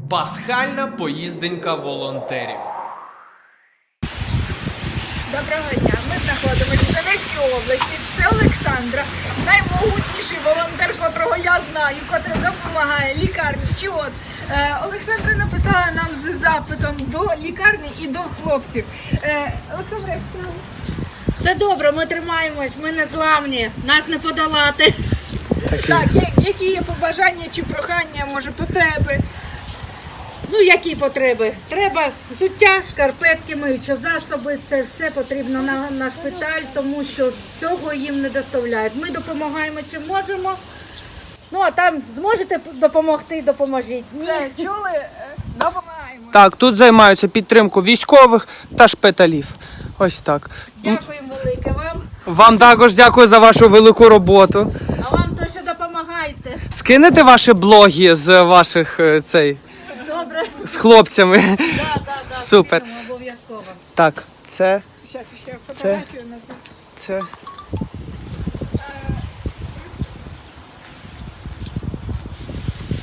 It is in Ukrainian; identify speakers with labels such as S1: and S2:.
S1: Пасхальна поїзденька волонтерів.
S2: Доброго дня. Ми знаходимося в Донецькій області. Це Олександра, наймогутніший волонтер, котрого я знаю, котрий допомагає лікарні. І от Олександра написала нам з запитом до лікарні і до хлопців. Олександра, як справи?
S3: Все добре, ми тримаємось, ми не зламні, нас не подолати.
S2: Так, які є побажання чи прохання, може потреби?
S3: Ну, які потреби? Треба взуття, шкарпетки, миючі засоби, це все потрібно на шпиталь, тому що цього їм не доставляють. Ми допомагаємо чим можемо. Ну, а там зможете допомогти, допоможіть. Ні.
S2: Все, чули? Допомагаємо.
S4: Так, тут займаються підтримкою військових та шпиталів. Ось так.
S3: Дякуємо велике вам,
S4: Вам також дякую за вашу велику роботу.
S3: а вам то, що допомагаєте.
S4: Скинете ваші блоги з ваших
S3: Добре?
S4: з хлопцями.
S3: Да,
S4: Супер.
S3: скинемо обов'язково.
S4: Так, це
S2: Зараз ще фотографію назву.